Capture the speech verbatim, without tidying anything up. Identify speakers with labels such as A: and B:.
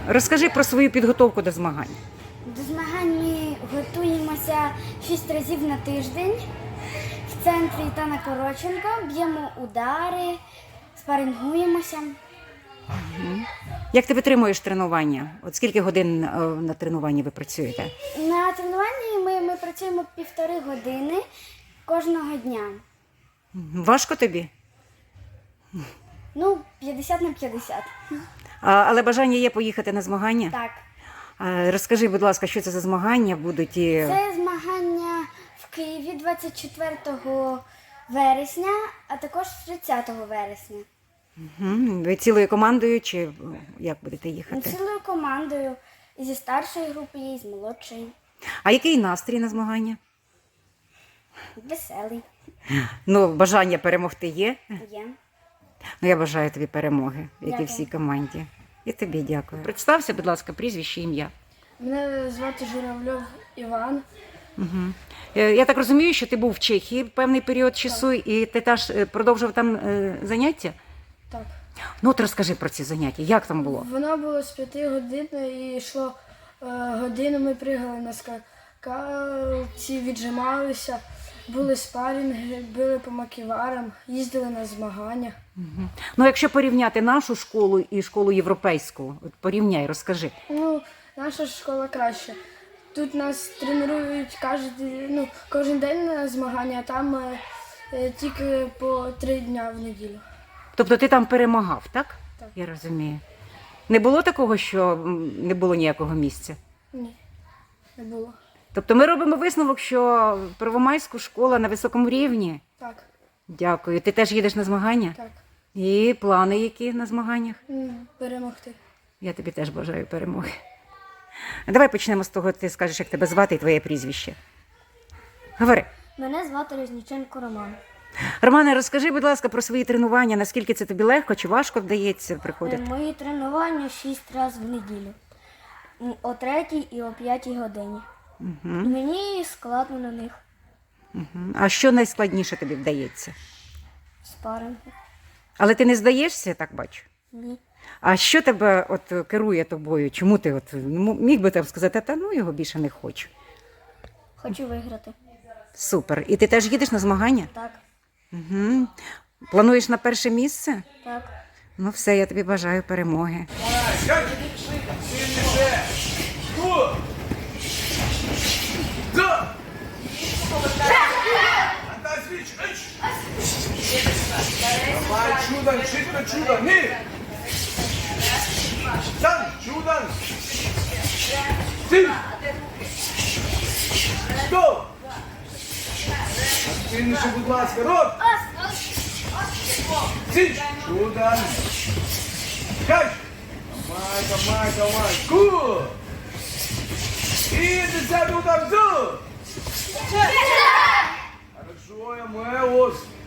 A: Розкажи про свою підготовку до змагань.
B: До змагань ми готуємося шість разів на тиждень в центрі Ітана Короченко, б'ємо удари, спарингуємося.
A: Як ти витримуєш тренування? От скільки годин е, на тренуванні ви працюєте?
B: На тренуванні ми, ми працюємо півтори години кожного дня.
A: Важко тобі?
B: Ну, п'ятдесят на п'ятдесят.
A: А, але бажання є поїхати на змагання?
B: Так.
A: А, розкажи, будь ласка, що це за змагання будуть? І...
B: Це змагання в Києві двадцять четвертого вересня, а також тридцятого вересня.
A: Угу. Ви цілою командою чи як будете їхати?
B: Цілою командою. І зі старшої групи є, і з молодшої.
A: А який настрій на змагання?
B: Веселий.
A: Ну, бажання перемогти є?
B: Є.
A: Ну, я бажаю тобі перемоги, як і
B: Дякую.
A: всій команді. І тобі дякую. Представся, будь ласка, прізвище, ім'я.
C: Мене звати Журавльов Іван.
A: Угу. Я так розумію, що ти був в Чехії певний період часу, і ти теж е, продовжив там е, заняття?
C: Так.
A: Ну, от розкажи про ці заняття, як там було?
C: Воно було з п'яти годин і йшло е, годину. Ми пригали на скакалці, віджималися, були спарінги, били по маківарам, їздили на змагання.
A: Угу. Ну, якщо порівняти нашу школу і школу європейську, от порівняй, розкажи.
C: Ну, наша школа краща. Тут нас тренують кожен, ну, кожен день на змагання, а там е, е, тільки по три дня в неділю.
A: Тобто ти там перемагав, так?
C: Так.
A: Я розумію. Не було такого, що м, не було ніякого місця?
C: Ні, не було.
A: Тобто ми робимо висновок, що Первомайська школа на високому рівні.
C: Так,
A: Дякую. Ти теж їдеш на змагання?
C: так.
A: І плани які на змаганнях?
C: М, Перемогти.
A: Я тобі теж бажаю перемоги. А давай почнемо з того, ти скажеш, як тебе звати і твоє прізвище. Говори.
B: Мене звати Резніченко Роман.
A: Романе, розкажи, будь ласка, про свої тренування, наскільки це тобі легко чи важко вдається приходити?
B: Мої тренування шість разів в неділю. М, О третій і о п'ятій годині.
A: Угу.
B: Мені складно на них.
A: Угу. А що найскладніше тобі вдається?
B: Спаринги.
A: Але ти не здаєшся, я так бачу?
B: Ні.
A: А що тебе от керує тобою? Чому ти от ну, міг би там сказати, та ну його більше не хочу?
B: Хочу виграти.
A: Супер. І ти теж їдеш на змагання?
B: Так,
A: Угу. Плануєш на перше місце?
B: так.
A: Ну все, я тобі бажаю перемоги.
D: Давай, чудом, швидко, чудом, ні! Там, чудом! Ти! Стоп! Активніше, будь ласка, рот! Ти! Чудом! Кай! Давай, давай, давай! Ку! І десятий удар, зу! Хорошо, я маю ось!